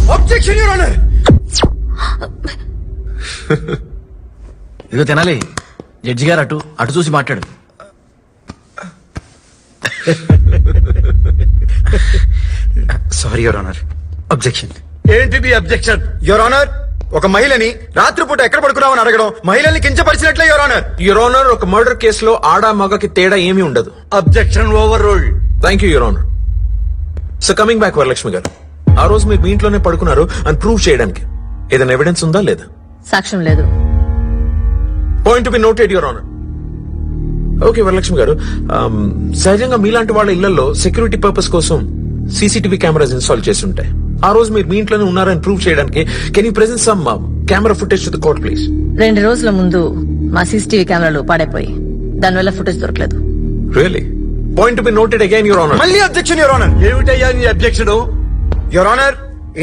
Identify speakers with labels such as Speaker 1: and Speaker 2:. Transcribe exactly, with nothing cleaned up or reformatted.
Speaker 1: Objection your honour.
Speaker 2: ఇదిగో తినాలి. Judge గారు అటు అటు చూసి మాట్లాడు.
Speaker 1: Sorry your honour. అబ్జెక్షన్.
Speaker 3: ఏంటిది అబ్జెక్షన్?
Speaker 1: యువర్ ఆనర్, ఒక మహిళని రాత్రిపూట ఎక్కడ పడుకున్నామని అడగడం మహిళల్ని కించపరిచినట్లే యువర్ ఆనర్.
Speaker 4: యువర్ ఆనర్, ఒక మర్డర్ కేసులో ఆడ మగకి తేడా ఏమీ ఉండదు.
Speaker 3: Objection overruled.
Speaker 4: Thank you your honour. So coming back Varalakshmi garu, ఆ రోజు మీరు మీ ఇంట్లోనే పడుకున్నారు అని ప్రూవ్ చేయడానికి ఏదైనా ఎవిడెన్స్ ఉందా లేదా?
Speaker 5: సాక్ష్యం లేదు.
Speaker 4: Point be noted your honour. Okay Varalakshmi garu, um, సహజంగా మీలాంటి వాళ్ళ ఇళ్లలో సెక్యూరిటీ పర్పస్ కోసం సీసీటీవీ కెమెరాస్ ఇన్స్టాల్ చేసి ఉంటాయి. ఆ రోజు మీరు మీ ఇంట్లోనే ఉన్నారని ప్రూవ్ చేయడానికి can you present some camera footage to the court please?
Speaker 5: రెండు రోజుల ముందు మా సీసీటీవీ కెమెరాలు పాడైపోయి దానివల్ల ఫుటేజ్ దొరకలేదు.
Speaker 4: Really? Point be noted again your honour.
Speaker 1: మళ్ళీ అబ్జెక్షన్ యువర్ ఆనర్.
Speaker 3: ఏమిటయ్యా నీ అబ్జెక్షన్?
Speaker 1: Your honour,